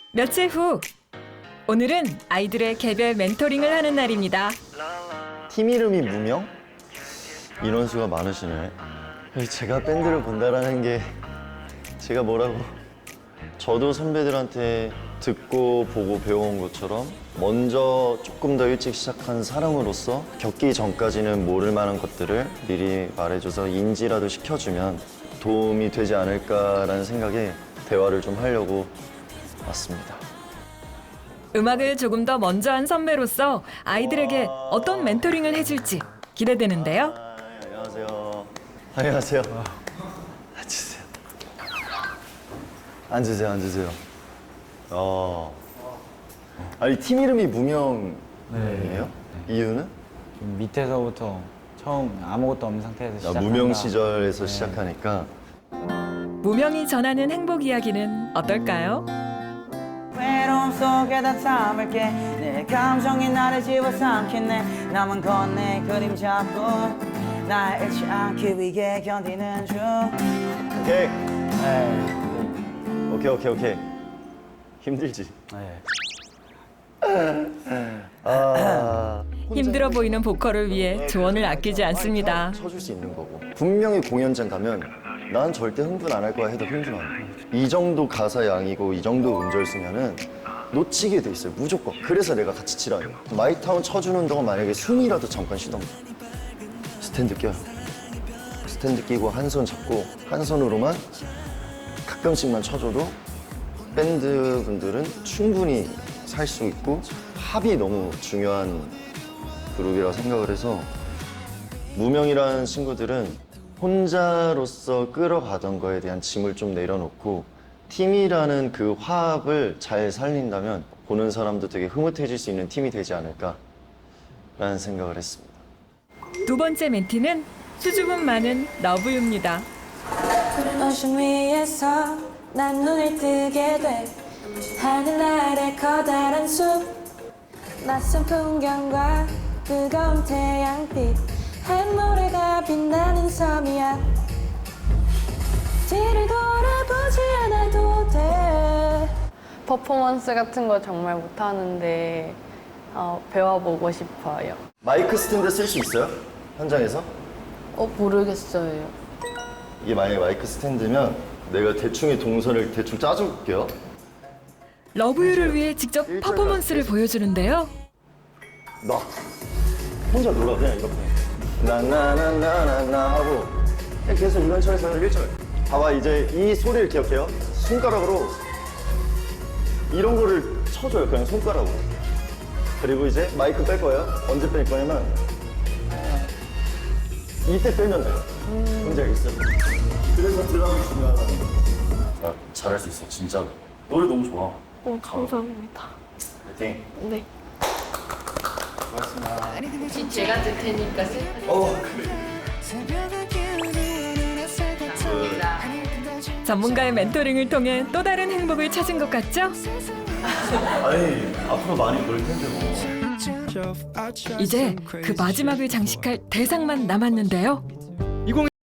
며칠 후, 오늘은 아이들의 개별 멘토링을 하는 날입니다. 팀 이름이 무명? 인원수가 많으시네. 제가 밴드를 본다라는 게 제가 뭐라고. 저도 선배들한테 듣고 보고 배워온 것처럼 먼저 조금 더 일찍 시작한 사람으로서 겪기 전까지는 모를 만한 것들을 미리 말해줘서 인지라도 시켜주면 도움이 되지 않을까라는 생각에 대화를 좀 하려고 왔습니다. 음악을 조금 더 먼저 한 선배로서 아이들에게 어떤 멘토링을 해줄지 기대되는데요. 안녕하세요. 안녕하세요. 앉으세요. 앉으세요, 앉으세요. 아니, 팀 이름이 무명이에요? 이유는? 좀 밑에서부터 처음 아무것도 없는 상태에서 시작한다. 무명 시절에서 시작하니까. 무명이 전하는 행복 이야기는 어떨까요? 외로움 속에 다 담을게 내 감정이 나를 집어삼키네 남은 건 내 그림 잡고 날 잃지 않기 위해 견디는 중 오케이. 네. 오케이. 힘들지? 네. 힘들어 보이는 보컬을 위해 조언을 아끼지 않습니다. 쳐줄 수 있는 거고. 분명히 공연장 가면 난 절대 흥분 안 할 거야 해도 흥분 안 해. 이 정도 가사 양이고 이 정도 음절 쓰면은 놓치게 돼 있어요, 무조건. 그래서 내가 같이 치라 해요. 마이타운 쳐주는 동안 만약에 숨이라도 잠깐 쉬던가. 스탠드 껴요. 스탠드 끼고 한 손 잡고 한 손으로만 가끔씩만 쳐줘도 밴드 분들은 충분히 살 수 있고 합이 너무 중요한 그룹이라고 생각을 해서 무명이라는 친구들은 혼자로서 끌어가던 거에 대한 짐을 좀 내려놓고 팀이라는 그 화합을 잘 살린다면 보는 사람도 되게 흐뭇해질 수 있는 팀이 되지 않을까라는 생각을 했습니다. 두 번째 멘티는 수줍음 많은 러브유입니다. 오션 위에서 난 눈을 뜨게 돼 하늘 아래 커다란 숲 낯선 풍경과 뜨거운 태양빛 한 모래가 빛나는 섬이야 뒤를 돌아보지 않아도 돼 퍼포먼스 같은 거 정말 못하는데 배워보고 싶어요. 마이크 스탠드 쓸 수 있어요? 현장에서? 모르겠어요. 이게 만약에 마이크 스탠드면 내가 대충의 동선을 대충 짜줄게요. 러브유를 위해 직접 퍼포먼스를 보여주는데요. 나 혼자 놀아 그냥 이렇게 나나나나나나 하고 그냥 계속 이런 철에서 1절 봐봐. 이제 이 소리를 기억해요. 손가락으로 이런 거를 쳐줘요. 그냥 손가락으로. 그리고 이제 마이크 뺄 거예요. 언제 뺄 거냐면 이때 빼면 돼요. 뭔지 알겠어요? 그래서 드럼이 중요하다는 거. 나 잘할 수 있어 진짜로. 노래 너무 좋아. 감사합니다. 파이팅. 네. 제가 들 테니까 전문가의 멘토링을 통해 또 다른 행복을 찾은 것 같죠? 아니 앞으로 많이 볼 텐데 뭐. 이제 그 마지막을 장식할 대상만 남았는데요.